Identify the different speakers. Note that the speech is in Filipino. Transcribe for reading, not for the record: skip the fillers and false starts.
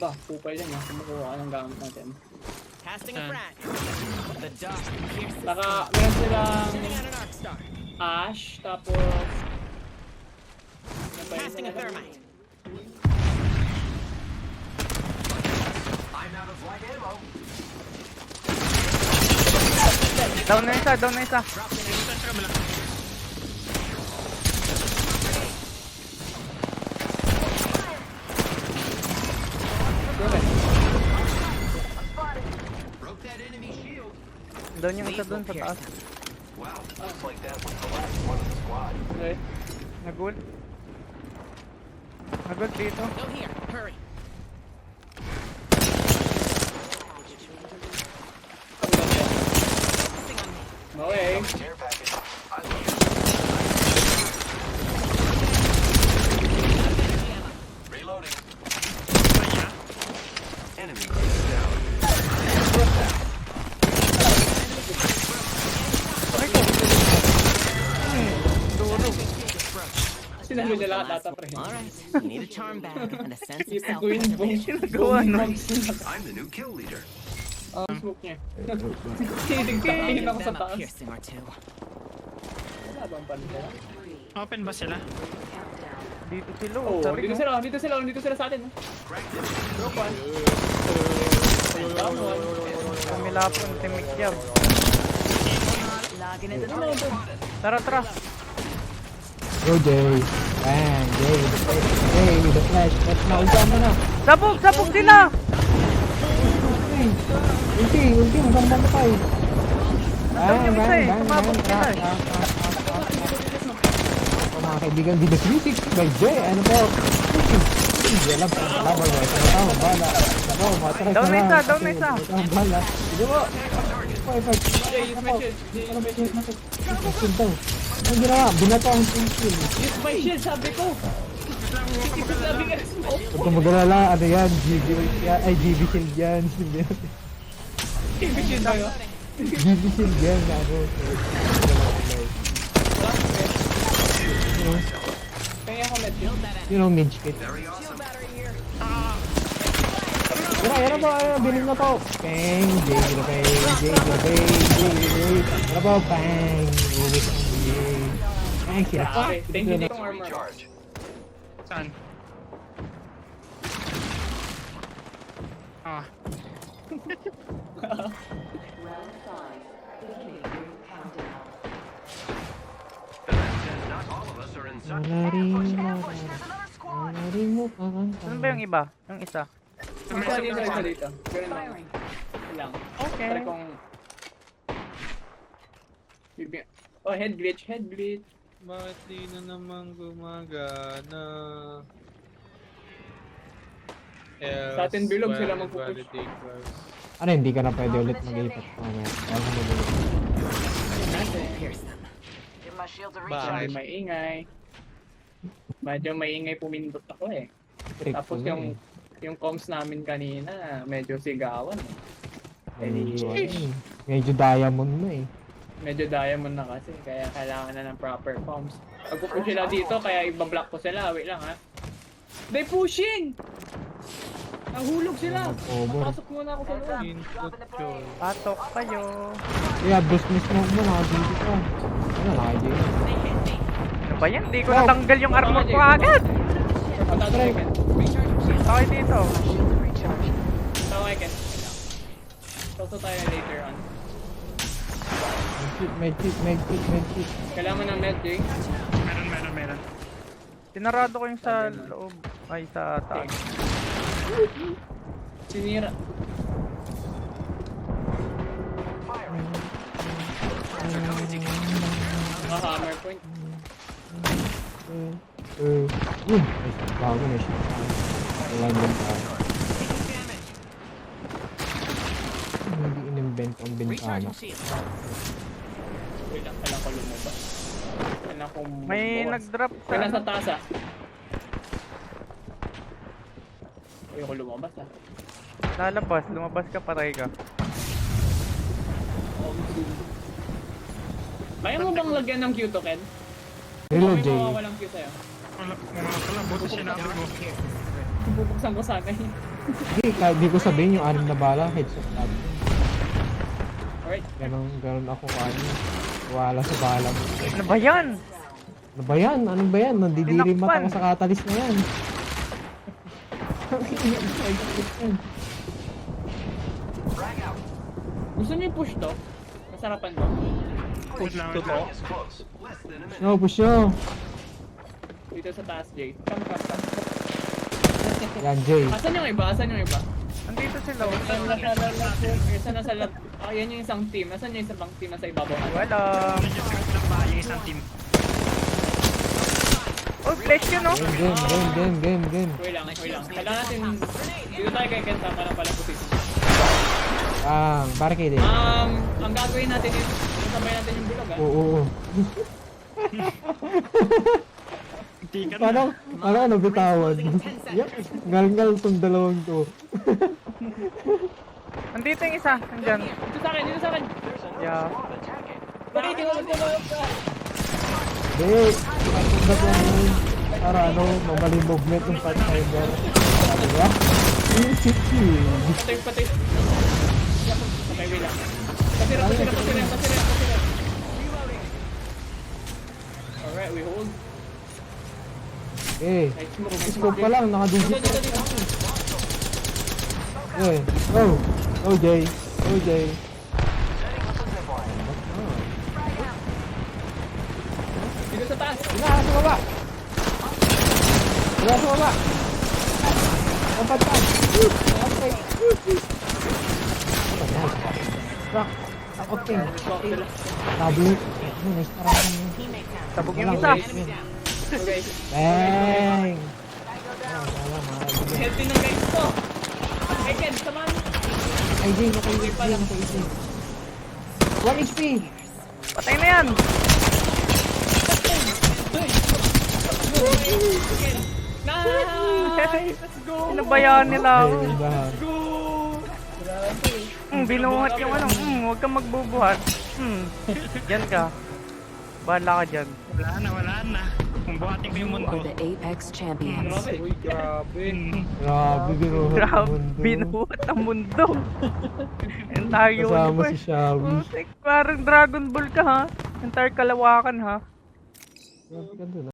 Speaker 1: ba? Kupal yan ha. Kumukuha ka ng gamit natin.
Speaker 2: Casting a frag. The dog pierces.
Speaker 1: Meron silang
Speaker 2: Sending out an arc star.
Speaker 1: ash, tapos...
Speaker 2: Casting a thermite.
Speaker 3: I'm out of light ammo.
Speaker 4: Down na isa, down na isa.
Speaker 3: Broke that enemy shield.
Speaker 4: Down yung isa doon sa taas.
Speaker 3: Wow, looks like that was the last one of the squad.
Speaker 1: Okay.
Speaker 4: Nagul. Nagul dito.
Speaker 2: Go here. Hurry. Focusing on me.
Speaker 1: Okay.
Speaker 3: Care package. I love it.
Speaker 2: Energy ammo.
Speaker 3: Reloading. Enemy down.
Speaker 1: Sinalo nila data pre.
Speaker 2: Alright. You need a charm bag and a sense of
Speaker 1: Ipag ko yung
Speaker 2: self-preservation.
Speaker 4: Gawa no.
Speaker 3: I'm the new kill leader.
Speaker 1: Ang smoke niya. Tinig ako sa
Speaker 2: Them a
Speaker 1: taas.
Speaker 2: piercing or two.
Speaker 1: Wala bang panila?
Speaker 5: Open ba sila?
Speaker 4: Dito sila.
Speaker 1: Oh,
Speaker 4: Sabi
Speaker 1: dito
Speaker 4: ko.
Speaker 1: sila, dito sila, dito sila sa atin. Drop one. Down one.
Speaker 4: Kumilapon, timik yan.
Speaker 2: Logging into the
Speaker 4: Tara, tara.
Speaker 6: Go Jay. Bang, Jay. Jay with the flash. Let's now jump na.
Speaker 4: Sabog, sabog sila!
Speaker 6: Ulti, masambang pa eh.
Speaker 4: Nandun yung isa eh, sumabog sila eh.
Speaker 6: Mga kaibigan, di the 360 by Jay. Ano po? Hindi alam kung kalaban mo. Tama, bala. Ako, matras
Speaker 4: Down na
Speaker 6: lang.
Speaker 4: isa, down na isa.
Speaker 6: Tama, bala. Hindi mo. Fight.
Speaker 1: Jay, use my shield. Jay, use my shield.
Speaker 6: Shield daw. Ano ginawa? Binato ang shield.
Speaker 1: Use my shield, sabi ko. Sabi nga, smoke.
Speaker 6: Huwag kang mag-alala, ano yan? GB shield yan.
Speaker 1: GB shield ba yun?
Speaker 6: GB shield yan. Ano?
Speaker 1: Kaya ako net yun.
Speaker 6: You know, Minch Kit.
Speaker 3: Very awesome.
Speaker 6: Yan na po, bilhin na po. Bang, Jay, Ano po, bang. Uwis ang Jay. Bang, sila.
Speaker 1: Okay, thank you ditong armor.
Speaker 3: Recharge.
Speaker 5: Saan? Ah.
Speaker 3: Not all of us are in such.
Speaker 4: Saan ba yung iba? Yung isa?
Speaker 1: Isa dito. Ganun lang. Lang.
Speaker 4: Okay.
Speaker 1: Try kong... Oh, head glitch.
Speaker 5: Bakit di na naman gumagana?
Speaker 1: Sa atin bilog sila magpupush.
Speaker 5: Validate class.
Speaker 6: Ano, hindi ka na pwede ulit mag-ipat.
Speaker 2: pierce them. Give my shield a
Speaker 5: Bakit?
Speaker 1: Maingay. Medyo maingay pumindot ako eh. Tapos yung comms namin kanina, medyo sigawan eh.
Speaker 6: Medyo diamond na eh.
Speaker 1: Medyo diamond na kasi, kaya kailangan na ng proper comms. Pag-push sila dito, kaya ibablock ko sila. Wait lang ha. They pushing! Nahulog sila!
Speaker 6: Over.
Speaker 1: Papasok muna ako sa loob.
Speaker 5: Input choice.
Speaker 4: Patok kayo.
Speaker 6: Kaya boost miss mo nakadito ka. Ano, nakadito.
Speaker 4: Ano ba yan? Di ko natanggal yung armor ko agad.
Speaker 1: Patadry Ken.
Speaker 4: Okay dito.
Speaker 1: Tawa kay Ken. Toto tayo later on.
Speaker 6: Medkit.
Speaker 1: Kailangan mo ng med, Jay.
Speaker 5: Meron.
Speaker 4: Tinarado ko yung sa loob. Ay, sa taas.
Speaker 1: Sinira. Hammer point.
Speaker 6: Yun. Bago na siya. Wala naman tayo. Hindi in-invent ang bintana.
Speaker 2: Recharging shield.
Speaker 1: Wait lang, kailangan ko lumabas. Kailangan ko
Speaker 4: May
Speaker 1: bukas.
Speaker 4: nag-drop sa...
Speaker 1: Kailangan sa taas ah. Ayoko lumabas ah.
Speaker 4: Lalabas, lumabas ka, patay ka.
Speaker 1: Kaya mo bang lagyan ng Q to, Ken?
Speaker 6: Reload,
Speaker 1: May
Speaker 6: Jay.
Speaker 1: mawawalang Q sa'yo.
Speaker 5: Wala pala. Buti sinabi mo.
Speaker 1: Bubuksan ko sana yun.
Speaker 6: Hindi, kahit di ko sabihin yung 6 na bala, headshot lahat.
Speaker 1: Alright.
Speaker 6: Ganon ako kano. Wala sa bala mo.
Speaker 4: Ano ba yan?
Speaker 6: Ano ba yan? Ano ba yan? Nandidiri mata
Speaker 4: Tinakpan.
Speaker 6: ko sa catalyst na yan.
Speaker 1: Gusto niyo i-push to? Masarapan to.
Speaker 5: Push lang.
Speaker 3: Is close. Less than a minute.
Speaker 6: No, push nyo.
Speaker 1: Dito sa taas, Jay. Come.
Speaker 6: Yan, Jay.
Speaker 1: Asan yung iba? Asan yung iba?
Speaker 4: Andito sila.
Speaker 1: Isa na sa lab. Ah, yan yung isang team. Asan yung isang team na sa ibabaw?
Speaker 4: Wala.
Speaker 5: Medyo trip lang ba yung isang team?
Speaker 4: Oh, flash yun, no?
Speaker 6: Game.
Speaker 1: Wait lang. Kailangan natin... Dito tayo kay Ken, tama lang pala position.
Speaker 6: Barricade eh.
Speaker 1: Ang gagawin natin is, sabay natin yung bulog,
Speaker 6: Oo.
Speaker 5: Hindi ka
Speaker 6: Paano nabitawan? Yup, ngal-ngal tong dalawang to.
Speaker 4: Andito yung isa. Andyan.
Speaker 1: Dito sa akin.
Speaker 4: Yeah.
Speaker 1: Bakit tinulog ka?
Speaker 6: Hindi, ang ba't yan para mamali movement ng Pathfinder. Sabi ba?
Speaker 1: Patay. Okay, wait lang. Pasira. Alright, we hold.
Speaker 6: Eh,
Speaker 1: Nice smoke.
Speaker 6: scope pa lang, nakadugit.
Speaker 1: Dito.
Speaker 6: Eh, go Jay.
Speaker 1: Dito sa taas.
Speaker 6: Wala sa baba. Kapatid. Okay. Rock. Okay.
Speaker 1: Smoke sila.
Speaker 6: Tablet. Nice parang.
Speaker 4: Sabog yung isa.
Speaker 1: Okay.
Speaker 6: Bang!
Speaker 1: Healthy ng guys to. Hey Ken, samahan mo.
Speaker 6: Ay, Jay, naka easy. 1 HP!
Speaker 4: Patay na yan.
Speaker 1: Nice! Let's go!
Speaker 4: Pinabayaan nila ako.
Speaker 6: Dahan.
Speaker 4: Binuhat yung ano. Huwag kang magbubuhat. Diyan ka. Bahala ka dyan.
Speaker 5: Wala na. Kung buhatin ko yung mundo.
Speaker 7: Are the Apex champions.
Speaker 1: Grabe.
Speaker 5: Hmm.
Speaker 6: Grabe, binuhat
Speaker 4: Grabe,
Speaker 6: ang mundo.
Speaker 4: binuhat ang mundo. Entire
Speaker 6: Kasama
Speaker 4: universe.
Speaker 6: si Shawi.
Speaker 4: Parang Dragon Ball ka ha. Entire kalawakan ha.
Speaker 6: Ganda na.